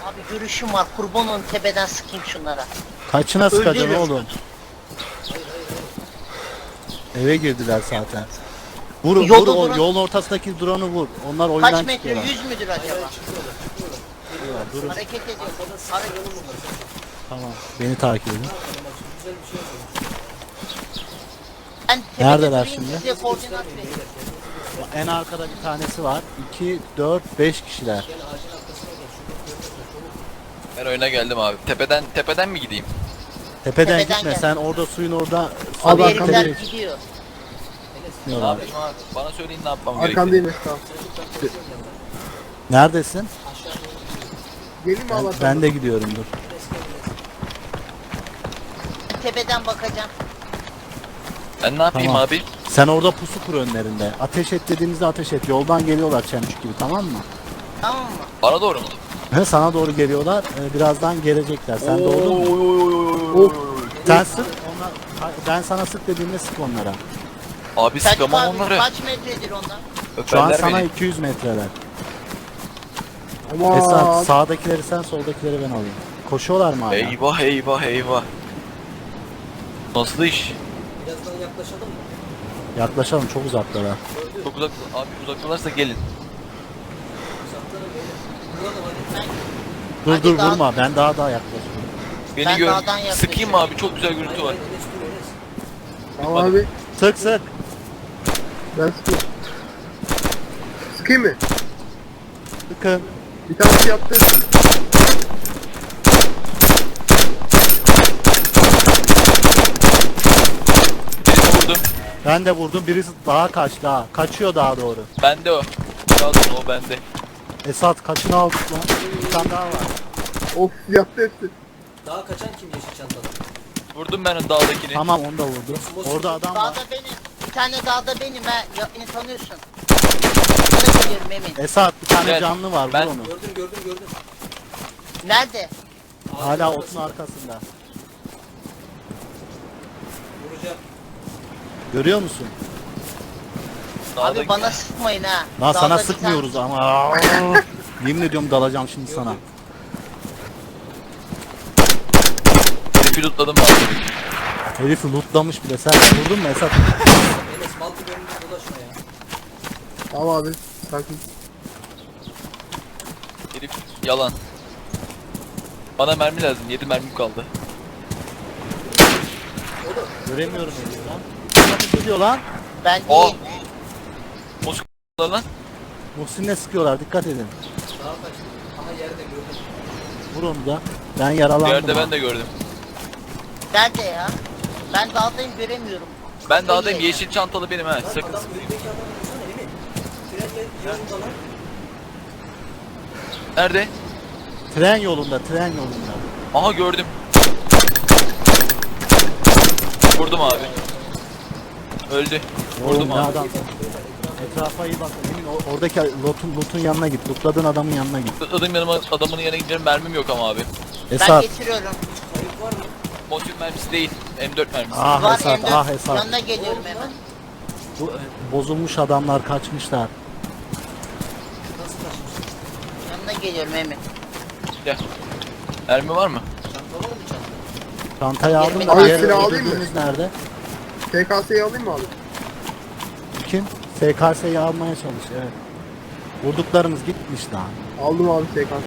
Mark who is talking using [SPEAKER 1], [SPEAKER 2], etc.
[SPEAKER 1] Abi görüşüm var, kurban olun, tepeden sıkayım şunlara.
[SPEAKER 2] Kaçına sıkacaksın
[SPEAKER 1] Öldürürüm.
[SPEAKER 2] oğlum? Eve girdiler zaten. Vur,
[SPEAKER 1] Yolda
[SPEAKER 2] vur o
[SPEAKER 1] duran-
[SPEAKER 2] yolun ortasındaki drone'u vur. Onlar oyundan
[SPEAKER 1] Kaç metre,
[SPEAKER 2] çıkıyorlar.
[SPEAKER 1] 100 müdür acaba?
[SPEAKER 2] Durun.
[SPEAKER 1] Hareket ediyor. Hareket.
[SPEAKER 2] Tamam. Beni takip edin.
[SPEAKER 1] Ben tepede
[SPEAKER 2] Neredeler
[SPEAKER 1] durayım,
[SPEAKER 2] şimdi?
[SPEAKER 1] size koordinat vereyim.
[SPEAKER 2] En arkada bir tanesi var. 2, 4, 5 kişiler.
[SPEAKER 3] Ben oyuna geldim abi. Tepeden mi gideyim?
[SPEAKER 2] Tepeden
[SPEAKER 1] Tepeden
[SPEAKER 2] gitme.
[SPEAKER 1] gel.
[SPEAKER 2] Sen orada suyun orada
[SPEAKER 1] Abi
[SPEAKER 2] suya
[SPEAKER 1] herifler
[SPEAKER 2] tepeye
[SPEAKER 1] gidiyor.
[SPEAKER 3] Ne
[SPEAKER 2] çıkmıyorlar.
[SPEAKER 3] yapayım abi? Bana söyleyin ne yapmam gerekiyor.
[SPEAKER 4] Arkandayım Esra.
[SPEAKER 2] Neredesin?
[SPEAKER 4] Gelin mi
[SPEAKER 2] Ben,
[SPEAKER 4] Allah
[SPEAKER 2] ben de gidiyorum dur.
[SPEAKER 1] Tepeden bakacağım.
[SPEAKER 3] Ben ne yapayım
[SPEAKER 2] Tamam.
[SPEAKER 3] abi?
[SPEAKER 2] Sen orada pusu kur önlerinde. Ateş et dediğimizde ateş et. Yoldan geliyorlar çemçük gibi, tamam mı?
[SPEAKER 1] Tamam mı?
[SPEAKER 3] Bana doğru mu?
[SPEAKER 2] Sana doğru geliyorlar. Birazdan gelecekler. Sen doğru mu?
[SPEAKER 4] Of.
[SPEAKER 2] Sen sık. Onlar, ben sana sık dediğimde sık onlara.
[SPEAKER 3] Abi
[SPEAKER 1] Selçuk
[SPEAKER 3] sıkamam
[SPEAKER 1] abi
[SPEAKER 3] onları.
[SPEAKER 1] kaç metredir ondan?
[SPEAKER 2] Şu an
[SPEAKER 3] Öperler
[SPEAKER 2] sana
[SPEAKER 3] beni.
[SPEAKER 2] 200 metreler.
[SPEAKER 4] Aman.
[SPEAKER 2] Esat sağdakileri sen, soldakileri ben alayım. Koşuyorlar mı hala?
[SPEAKER 3] Eyvah eyvah eyvah. Nasıl iş?
[SPEAKER 2] Yaklaşalım, çok uzaklara.
[SPEAKER 3] Çok uzak. Abi uzaklarsa gelin.
[SPEAKER 2] Dur
[SPEAKER 1] Hadi
[SPEAKER 2] dur
[SPEAKER 1] daha-
[SPEAKER 2] vurma, ben daha yaklaşıyorum.
[SPEAKER 3] Beni
[SPEAKER 1] Ben
[SPEAKER 3] gör.
[SPEAKER 1] dağdan yaklaşıyorum.
[SPEAKER 3] Sıkayım mı abi? Çok güzel görüntü var.
[SPEAKER 4] Tamam abi.
[SPEAKER 2] Sık sık.
[SPEAKER 4] Ben sıkayım. Sıkayım mı?
[SPEAKER 2] Sıkın.
[SPEAKER 4] Bir tanesi yaptı.
[SPEAKER 3] Birini vurdum.
[SPEAKER 2] Ben de vurdum, birisi daha kaçtı daha. Kaçıyor daha doğru.
[SPEAKER 3] Bende o. Pardon o bende.
[SPEAKER 2] Esat kaçını aldık lan. Bir tane daha var.
[SPEAKER 4] Of yaptı hepsi.
[SPEAKER 5] Daha kaçan kim yeşil çantalı?
[SPEAKER 3] Vurdum ben o dağdakini.
[SPEAKER 2] Tamam, onu da vurdu. Orada adam var.
[SPEAKER 1] Dağda benim. Bir tane dağda benim ha. Ya, beni tanıyorsun. Sana geliyorum Emin.
[SPEAKER 2] Esat bir tane
[SPEAKER 3] Evet,
[SPEAKER 2] canlı var,
[SPEAKER 3] ben-
[SPEAKER 2] vur onu.
[SPEAKER 5] Gördüm.
[SPEAKER 1] Nerede?
[SPEAKER 2] Hala otun arkasında.
[SPEAKER 5] Vuracağım.
[SPEAKER 2] Görüyor musun?
[SPEAKER 3] Dağdaki-
[SPEAKER 1] Abi bana sıkmayın ha.
[SPEAKER 2] Lan
[SPEAKER 1] Dağda
[SPEAKER 2] sana
[SPEAKER 1] bir
[SPEAKER 2] sıkmıyoruz ama. Yemin ediyorum dalacağım şimdi sana.
[SPEAKER 3] Herifi lootladım ben.
[SPEAKER 2] Herifi lootlamış bile. Sen vurdun mu Esat?
[SPEAKER 5] Enes baltı görünce dolaşma ya.
[SPEAKER 4] Tamam abi. Sakin.
[SPEAKER 3] Herif yalan. Bana mermi lazım. 7 mermim kaldı.
[SPEAKER 2] Göremiyorum herifi lan. Nasıl gidiyor lan?
[SPEAKER 1] Ben
[SPEAKER 3] Oh!
[SPEAKER 1] değil.
[SPEAKER 3] Moskova lan.
[SPEAKER 2] Muhsin'le sıkıyorlar, dikkat edin.
[SPEAKER 5] Daha kaçtı. Aha yerde gördüm.
[SPEAKER 2] Vur onu da. Ben yaralandım.
[SPEAKER 3] Yerde
[SPEAKER 2] ha.
[SPEAKER 3] ben de gördüm.
[SPEAKER 1] Nerede ya? Ben dağdayım, göremiyorum.
[SPEAKER 3] Ben
[SPEAKER 1] Kafayı
[SPEAKER 3] dağdayım.
[SPEAKER 1] yedim.
[SPEAKER 3] Yeşil çantalı benim ha. Sakın.
[SPEAKER 5] Adam önündeki adamı vursana Emin. Trenle yanında lan.
[SPEAKER 3] Nerede?
[SPEAKER 2] Tren yolunda, tren yolunda.
[SPEAKER 3] Aha gördüm. Vurdum abi. Öldü. Vurdum
[SPEAKER 2] Oğlum ne
[SPEAKER 3] abi.
[SPEAKER 2] adam. Etrafa iyi bak. Emin oradaki loot'un yanına git. Lootladığın adamın yanına git.
[SPEAKER 3] Adam yanıma adamın yanına gideceğim mermim yok ama abi.
[SPEAKER 1] Ben
[SPEAKER 2] Esat.
[SPEAKER 1] getiriyorum.
[SPEAKER 5] Kayıp var mı?
[SPEAKER 3] Mosin mermisi değil. M4 mermisi.
[SPEAKER 2] Ah
[SPEAKER 1] Var
[SPEAKER 2] Esat,
[SPEAKER 1] M4.
[SPEAKER 2] ah Esat.
[SPEAKER 1] Yanına geliyorum hemen.
[SPEAKER 2] Bu bozulmuş adamlar kaçmışlar.
[SPEAKER 5] Nasıl kaçmış?
[SPEAKER 1] Yanına geliyorum Emin.
[SPEAKER 3] Gel. Mermi var mı?
[SPEAKER 5] Çanta var mı çanta?
[SPEAKER 2] Çantayı aldım
[SPEAKER 1] Abi
[SPEAKER 2] da diğer
[SPEAKER 4] silah alayım mı?
[SPEAKER 2] öldürdüğümüz nerede?
[SPEAKER 4] TKS'yi alayım mı abi?
[SPEAKER 2] Kim? SKS'yi almaya çalış, evet. Vurduklarımız gitmiş lan.
[SPEAKER 4] Aldım abi TKS.